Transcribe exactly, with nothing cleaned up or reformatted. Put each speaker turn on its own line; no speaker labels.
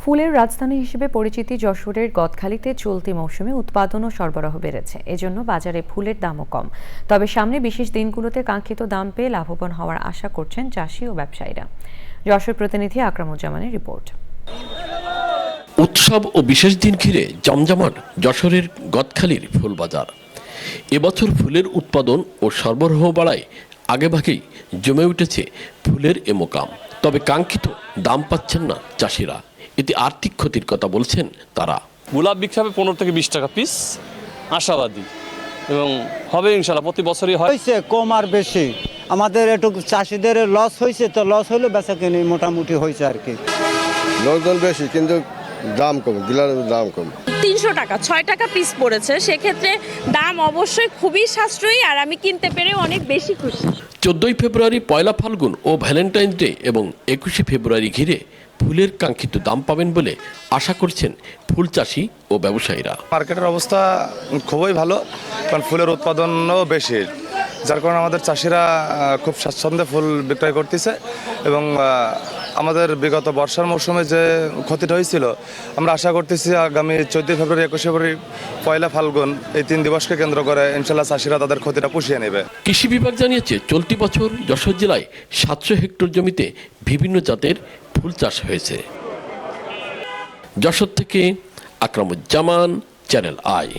ফুলের রাজধানী হিসেবে পরিচিতি যশোরের গদখালিতে চলতি মৌসুমে উৎপাদন ও সরবরাহ বেড়েছে। এজন্য বাজারে ফুলের দামও কম। তবে সামনে বিশেষ দিনগুলোতে কাঙ্ক্ষিত দাম পেয়ে লাভবান হওয়ার আশা করছেন চাষি ও ব্যবসায়ীরা। যশোর প্রতিনিধি আকরামুজ্জামানের রিপোর্ট।
উৎসব ও বিশেষ দিন ঘিরে জমজমাট যশোরের গদখালির ফুল বাজার। এবছর ফুলের উৎপাদন ও সরবরাহ বাড়ায় আগেভাগেই জমে উঠেছে ফুলের এ মোকাম। তবে কাঙ্ক্ষিত দাম পাচ্ছেন না চাষিরা। এতে আর্থিক ক্ষতির কথা বলছেন তারা।
গোলাপ বিক্রি হবে পনেরো থেকে বিশ টাকা পিস, আশাবাদী এবং হবে ইনশাল্লাহ, প্রতি বছরই হয়।
হয়েছে কম আর বেশি, আমাদের একটু চাষিদের লস হয়েছে, তো লস হলে বেচা কিনি মোটামুটি হয়েছে আর কি।
লোকজন বেশি কিন্তু দাম কম, ডিলারের দাম কম।
তিনশো টাকা ছয় টাকা পিস পড়েছে, সেক্ষেত্রে দাম অবশ্যই খুবই সাশ্রয়ী, আর আমি কিনতে পেরে অনেক বেশি খুশি।
চোদ্দই ফেব্রুয়ারি, পয়লা ফাল্গুন ও ভ্যালেন্টাইন ডে এবং একুশে ফেব্রুয়ারি ঘিরে ফুলের কাঙ্ক্ষিত দাম পাবেন বলে আশা করছেন ফুল চাষি ও ব্যবসায়ীরা।
মার্কেটের অবস্থা খুবই ভালো, কারণ ফুলের উৎপাদনও বেশি, যার কারণে আমাদের চাষিরা খুব স্বাচ্ছন্দ্যে ফুল বিক্রয় করতেছে। এবং আমাদের বিগত বর্ষার মৌসুমে যে ক্ষতিটা হয়েছিল, আমরা আশা করতেছি আগামী চোদ্দই ফেব্রুয়ারি, একুশে ফেব্রুয়ারি, পয়লা ফাল্গুন এই তিন দিবসকে কেন্দ্র করে ইনশাল্লাহ চাষিরা তাদের ক্ষতিটা পুষিয়ে নেবে।
কৃষি বিভাগ জানিয়েছে চলতি বছর যশোর জেলায় সাতশো হেক্টর জমিতে বিভিন্ন জাতের ফুল চাষ হয়েছে। যশোর থেকে আকরামুজ্জামান, চ্যানেল আই।